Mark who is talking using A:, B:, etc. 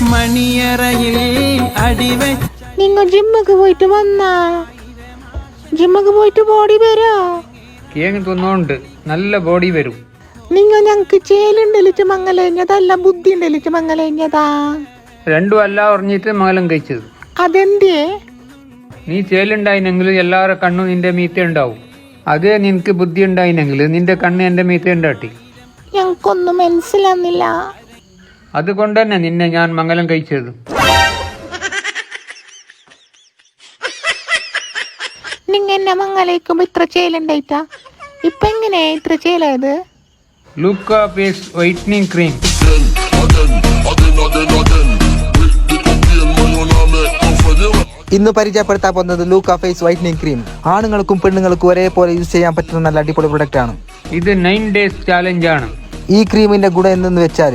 A: മണിയറയിൽ അടിവെ.
B: നിങ്ങൾ ജിമ്മക്ക് പോയിട്ട് വന്നാ? ജിമ്മക്ക് പോയിട്ട് ബോഡി വരോ?
C: കേങ്ങ് തിന്നോണ്ട് നല്ല ബോഡി വരും.
B: നിങ്ങൾ ഞങ്ങക്ക് ചേലുണ്ടലിച്ച് മംഗലഞ്ഞതല്ല ബുദ്ധി ഉണ്ടലിച്ച് മംഗലഞ്ഞതാ?
C: രണ്ടും അല്ല പറഞ്ഞിട്ട് മംഗലം കഴിച്ചത്.
B: അതെന്തേ?
C: നീ ചേലുണ്ടായിനെങ്കിൽ എല്ലാവരുടെ കണ്ണും നിന്റെ മീത്ത ഉണ്ടാവും. അതേ നിനക്ക് ബുദ്ധി ഉണ്ടായിനെങ്കിൽ നിന്റെ കണ്ണ് എന്റെ മീത്ത ഉണ്ടാട്ടി.
B: ഞങ്ങൾക്കൊന്നും മനസ്സിലാവുന്നില്ല.
C: അതുകൊണ്ട് തന്നെ നിന്നെ ഞാൻ മംഗലം കഴിച്ചത്.
B: നിങ്ങ എന്നെ മംഗലയിക്കുമ്പോ ഇത്ര ചേലുണ്ടായിട്ടാ? ഇപ്പൊ എങ്ങനെയാ ഇത്ര ചേലായത്?
C: ലൂക്ക ഫേസ് വൈറ്റനിങ് ക്രീം.
D: ഇന്ന് പരിചയപ്പെടുത്താൻ പോകുന്നത് ലൂക്ക ഫേസ് വൈറ്റനിങ് ക്രീം. ആണുങ്ങൾക്കും പെണ്ണുങ്ങൾക്കും ഒരേപോലെ യൂസ് ചെയ്യാൻ പറ്റുന്ന നല്ല അടിപൊളി പ്രൊഡക്റ്റ് ആണ്.
C: ഇത് 9 days ചാലഞ്ച് ആണ്.
D: ഈ ക്രീമിന്റെ ഗുണം എന്തെന്ന് വെച്ചാൽ